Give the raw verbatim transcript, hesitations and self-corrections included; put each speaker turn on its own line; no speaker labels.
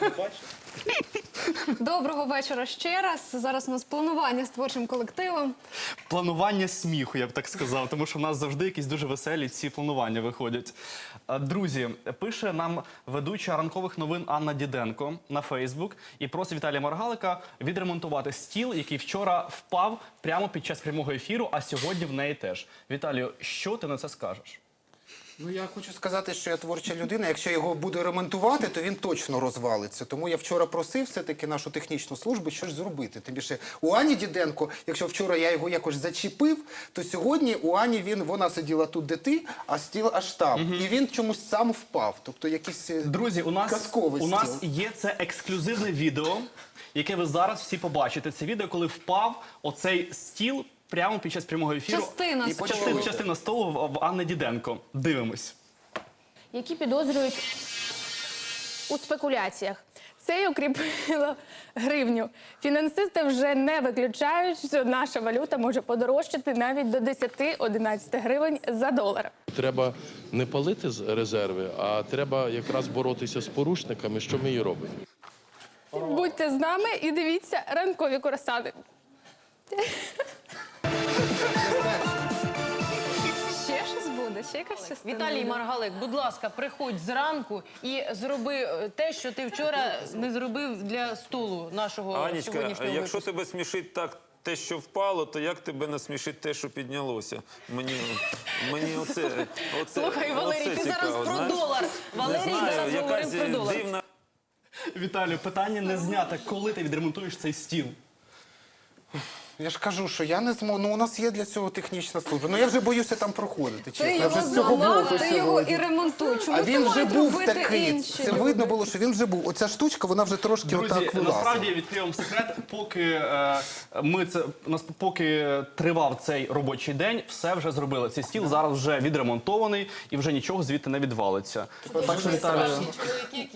Доброго вечора ще раз. Зараз у нас планування з творчим колективом.
Планування сміху, я б так сказав, тому що в нас завжди якісь дуже веселі ці планування виходять. А, Друзі, пише нам ведуча ранкових новин Анна Діденко на Фейсбук і просить Віталія Маргалика відремонтувати стіл, який вчора впав прямо під час прямого ефіру, а сьогодні в неї теж. Віталію, що ти на це скажеш?
Ну, я хочу сказати, що я творча людина. Якщо його буду ремонтувати, то він точно розвалиться. Тому я вчора просив все-таки нашу технічну службу щось зробити. Тим більше у Ані Діденко, якщо вчора я його якось зачепив, то сьогодні у Ані він, вона сиділа тут, де ти, а стіл аж там. Угу. І він чомусь сам впав. Тобто якийсь
Друзі, у нас,
казковий
у нас
стіл.
є це ексклюзивне відео, яке ви зараз всі побачите. Це відео, коли впав оцей стіл прямо під час прямого ефіру.
Частина
І
столу.
Частина, частина столу в, в Анни Діденко. Дивимось.
Які підозрюють у спекуляціях. Це й укріпило гривню. Фінансисти вже не виключають, що наша валюта може подорожчати навіть до десять-одинадцять гривень за долар.
Треба не палити з резерви, а треба якраз боротися з порушниками, що ми і робимо.
Будьте з нами і дивіться ранкові курасани.
Ще щось буде, ще якась частина.
Віталій
буде?
Маргалик, будь ласка, приходь зранку і зроби те, що ти вчора не зробив для столу нашого
Анічка,
сьогоднішнього
якщо
випуску.
тебе смішить так те, що впало, то як тебе насмішить те, що піднялося? Мені, мені оце, оце,
Слухай, Валерій,
оце
ти зараз
цікаво,
про
знаєш?
долар. Валерій
Не знаю,
зараз
якась
говорив про долар.
дивна...
Віталію, питання не знято. Коли ти відремонтуєш цей стіл?
Я ж кажу, що я не зможу. Ну, у нас є для цього технічна служба. Ну, я вже боюся там проходити, чесно.
Ти
Я вже
його
з цього
зламав,
боку
ти його
сьогодні.
і ремонтуй. Чому
А
це
він вже
мають
був
робити
такий.
інші
Це
люди?
видно було, що він вже був. Оця штучка, вона вже трошки
Друзі,
отак вилазила.
насправді відкрию вам секрет, поки е, ми це нас поки тривав цей робочий день, все вже зробили. Цей стіл зараз вже відремонтований і вже нічого звідти не відвалиться. Так що, Віталію,